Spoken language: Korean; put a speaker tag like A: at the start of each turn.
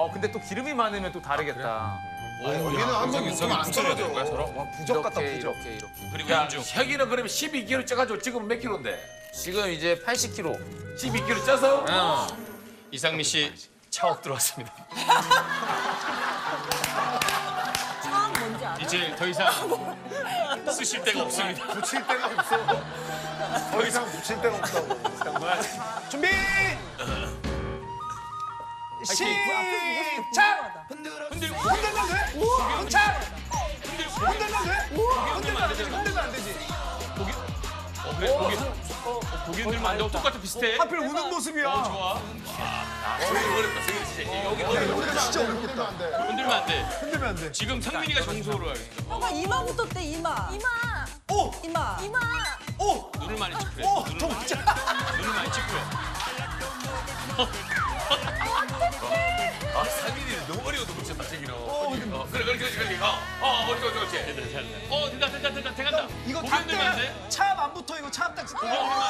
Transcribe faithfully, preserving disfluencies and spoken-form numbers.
A: 어, 근데 또 기름이 많으면 또 다르겠다.
B: 여기는 한번 묶으면 안 떨어져.
C: 와, 부적 같다,
A: 이렇게,
C: 부적.
A: 이렇게, 이렇게.
D: 그리고
E: 야,
D: 인중.
E: 혁이는 그러면 십이 킬로그램 쪄가지고 지금 몇 킬로인데?
A: 지금 이제 팔십 킬로그램.
E: 십이 킬로그램 쪄서?
A: 어.
D: 이상미 씨 차옥 들어왔습니다.
F: 처음 뭔지 알아?
D: 이제 더 이상 쓰실 데가 없습니다.
B: 붙일 데가 없어. 더 이상 붙일 데가 없다고.
C: 준비! 시작!
D: 흔들고
C: 흔들면 돼? 흔차! 흔들면 돼?
D: 흔들면 안 되잖아.
C: 흔들면 안 되지.
D: 고기. 어 그래 고기. 어 고기 흔들면 안 되고 똑같아 비슷해.
C: 하필 우는 모습이야.
D: 어 좋아.
E: 어렵다, 승희 씨. 여기
B: 우리가 진짜 어렵겠다.
D: 흔들면 안 돼.
C: 흔들면 안 돼.
D: 지금 상민이가 정소로 해.
F: 형아 이마부터 떼 이마. 이마.
C: 오!
F: 이마. 이마.
C: 오!
D: 눈을 많이 찌푸려.
C: 오!
D: 눈을
C: 저
D: 많이
C: 진짜!
D: 눈을 많이 찌푸려.
E: 아, 상민이는 너무 어려워도 붙였다, 저기는. 어, 그래, 그래, 그래, 그래. 어, 어, 어떻게, 어떻게, 어떻게.
D: 어 된다 된다 된다 돼간다.
C: 이거
D: 고기
C: 다
D: 흔들면 안 돼.
C: 차안 붙어 이거 차딱
D: 고기 흔들면